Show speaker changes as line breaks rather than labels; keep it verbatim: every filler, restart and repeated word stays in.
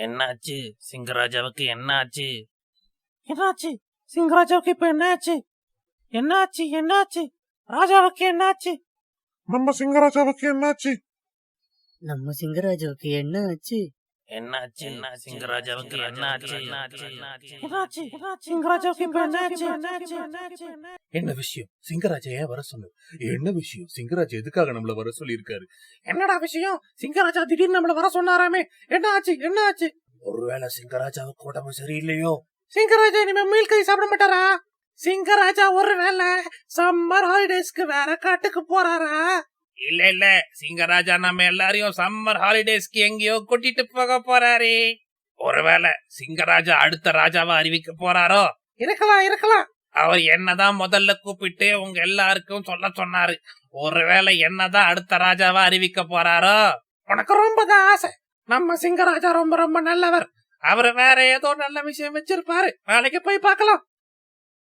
என்னாச்சு சிங்கராஜாவுக்கு? என்னாச்சு
என்னாச்சு சிங்கராஜாவுக்கு? இப்ப என்னாச்சு? என்னாச்சு என்னாச்சு ராஜாவுக்கு என்னாச்சு?
நம்ம சிங்கராஜாவுக்கு என்னாச்சு?
நம்ம சிங்கராஜாவுக்கு என்ன ஆச்சு?
என்னாச்சு சிங்கராஜாவுக்கு? என்னாச்சு
என்னாச்சு சிங்கராஜாவுக்கு இப்ப என்னாச்சு?
என்ன விஷயம்? சிங்கராஜா ஏன் வர சொன்னது? என்ன விஷயம்? சிங்கராஜா எதுக்காக நம்மள வர சொல்லி இருக்காரு?
என்னடா விஷயம்? சிங்கராஜா திடீர்னு நம்மள வர சொன்னாராமே, என்ன ஆச்சு என்ன ஆச்சு?
ஒருவேளை சிங்கராஜாவுக்கு உடம்பு சரியில்லையோ?
சிங்கராஜா இனிமே மீல் கறி சாப்பிட மாட்டாரா? சிங்கராஜா ஒருவேளை சம்மர் ஹாலிடேஸ்க்கு வேற காட்டுக்கு போறாரா?
இல்ல இல்ல, சிங்கராஜா நம்ம எல்லாரையும் சம்மர் ஹாலிடேஸ்க்கு எங்கேயோ கூட்டிட்டு போக போறாரு. ஒருவேளை சிங்கராஜா அடுத்த ராஜாவா அறிவிக்க போறாரோ?
இருக்கலாம் இருக்கலாம்.
அவர் என்னதான் முதல்ல கூப்பிட்டு உங்க எல்லாருக்கும் சொல்ல சொன்னாரு. ஒருவேளை என்னதான் அடுத்த ராஜாவா அறிவிக்க போறாரோ?
உனக்கு ரொம்ப தான் ஆசை. நம்ம சிங்கராஜா ரொம்ப ரொம்ப நல்லவர். அவர் வேற ஏதோ நல்ல விஷயம் வச்சிருப்பாரு. நாளைக்கு போய் பார்க்கலாம்.